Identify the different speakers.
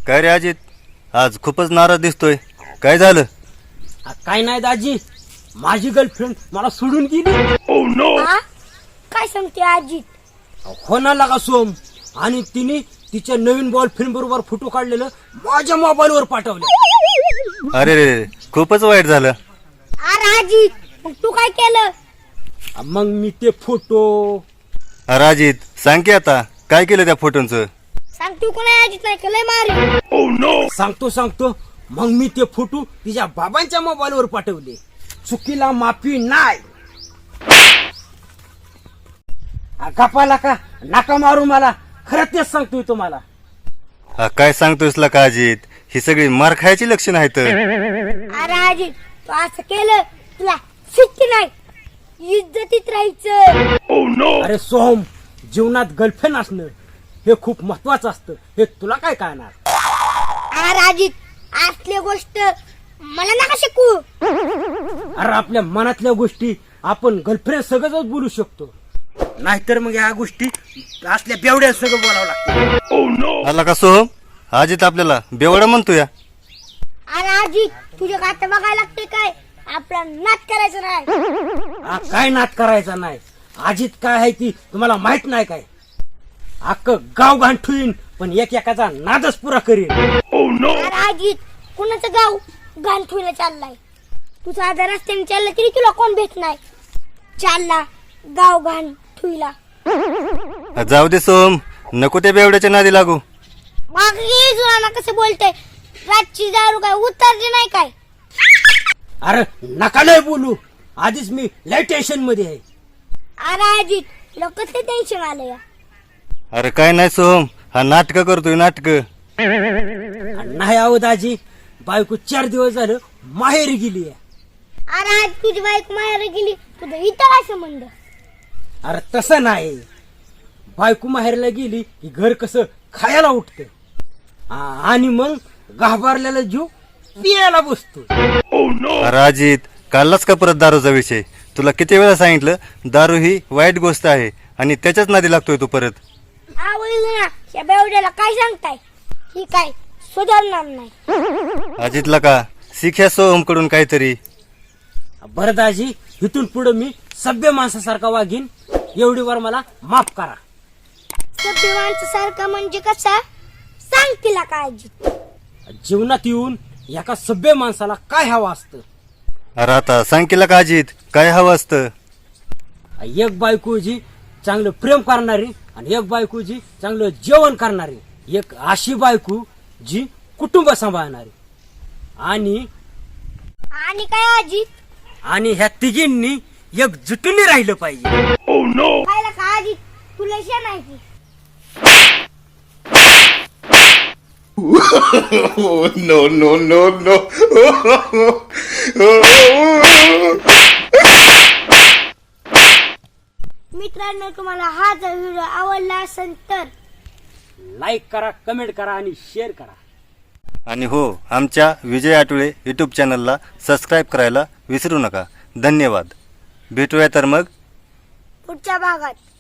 Speaker 1: काय रे अजित, आज खूपच नाराज दिसतोय. काय झालं?
Speaker 2: काय नाही दाजी, माझी गर्लफ्रेंड मला सोडून गेली.
Speaker 3: हा? काय सांगते आजी?
Speaker 2: हो ना लागा सोम. आणि तिने तिच्या नवीन बॉयफ्रेंड बरोबर फोटो काढलेलं माझ्या मोबाईलवर पाठवले.
Speaker 1: अरे रे, खूपच वाईट झालं.
Speaker 3: अरे आजी, मग तू काय केलं?
Speaker 2: मग मी ते फोटो
Speaker 1: अरे अजित, सांग की आता काय केलं त्या फोटोंचं?
Speaker 3: सांग तू कोणा आजीत नाही केलंय मारी.
Speaker 2: सांगतो. मग मी ते फोटो तिच्या बाबांच्या मोबाईलवर पाठवले. चुकीला माफी नाही. गपाला का नाका मारू मला, खरं तेच सांगतोय तुम्हाला.
Speaker 1: काय सांगतोयस ला का अजित? ही सगळी मार खायची लक्षण आहेत.
Speaker 3: अरे आजी, तू असं केलं तुला शिट्टी नाही, इज्जतीत राहायचं.
Speaker 2: अरे सोहम, जीवनात गर्लफ्रेंड असणं हे खूप महत्वाचं असतं. हे तुला काय कळणार?
Speaker 3: अरे आजी, असली गोष्ट मला नका शिकू.
Speaker 2: अरे आपल्या मनातल्या गोष्टी आपण गर्लफ्रेंड सगळंच बोलू शकतो, नाहीतर मग या गोष्टी असल्या बेवड्या सगळं बोलावं लागतं.
Speaker 1: आला का सोहम? अजित आपल्याला बेवडा म्हणतोय.
Speaker 3: अरे आजी, तुझ्या गात बघायला लागते काय? आपला नाच करायचं नाही.
Speaker 2: काय नाद करायचा नाही. अजित काय आहे ती तुम्हाला माहित नाही काय? अख्खं गाव गांठून पण एकाचा नादच पुरा करीन.
Speaker 3: अरे आजी, कुणाचं गाव घाण ठेवलं चाललाय? तू साधा रस्त्याने चालला तरी तुला कोण भेट नाही. चालला गाव घाण ठेवला.
Speaker 1: जाऊ दे सोहम, नको त्या बेवड्याच्या नादी लागू.
Speaker 3: मग ये जुना कसं बोलतोय? रातची दारू काय उतरली नाही काय?
Speaker 2: अरे नका लय बोलू, आधीच मी लय टेन्शन मध्ये आहे.
Speaker 3: अरे आजी, तुला कसं टेन्शन आलं या?
Speaker 1: अरे काय नाही सोहम, हा नाटक करतोय नाटक.
Speaker 2: नाही आहो दाजी, बायको 4 दिवस झालं माहेरी गेली आहे.
Speaker 3: अरे आज तुझी बाईक माहेर गेली, तुझं इथं काय संबंध?
Speaker 2: अरे तसं नाही, बायको माहेरला गेली की घर कसं खायला उठत आणि मग घाबरलेला जीव पियाला बसतो.
Speaker 1: अरे अजित, काढलाच का परत दारूचा विषय? तुला किती वेळा सांगितलं, दारू ही वाईट गोष्ट आहे आणि त्याच्याच नादी लागतोय तू परत.
Speaker 3: आवडलं ना या बेवड्याला काय सांगताय? ही काय सुधारणार नाही.
Speaker 1: अजितला का शिक्या सोहम कडून काहीतरी.
Speaker 2: बरं दाजी, इथून पुढे मी सभ्य माणसासारखा वागीन, एवढी वर मला माफ करा.
Speaker 3: सभ्य माणसासारखा म्हणजे कसा? सांग तिला काय आजी.
Speaker 2: जीवनात येऊन एका सभ्य माणसाला काय हवं असतं?
Speaker 1: अरे आता सांग केला का अजित, काय हवं असतं?
Speaker 2: एक बायको जी चांगलं प्रेम करणारी आणि एक बायको जी चांगलं जेवण करणारी, एक अशी बायको जी कुटुंब सांभाळणारी, आणि
Speaker 3: आणि काय आजी?
Speaker 2: आणि ह्या तिघींनी एकजुटीने राहिलं पाहिजे.
Speaker 3: खायला का आजी? तुला शे नाही की?
Speaker 4: no.
Speaker 3: मित्रांनो, तुम्हाला हा जर व्हिडिओ आवडला असेल तर
Speaker 2: लाईक करा, कमेंट करा आणि शेअर करा.
Speaker 1: आणि हो, आमच्या विजय आठवले यूट्यूब चॅनलला सबस्क्राईब करायला विसरू नका. धन्यवाद. भेटूया तर मग
Speaker 3: पुढच्या भागात.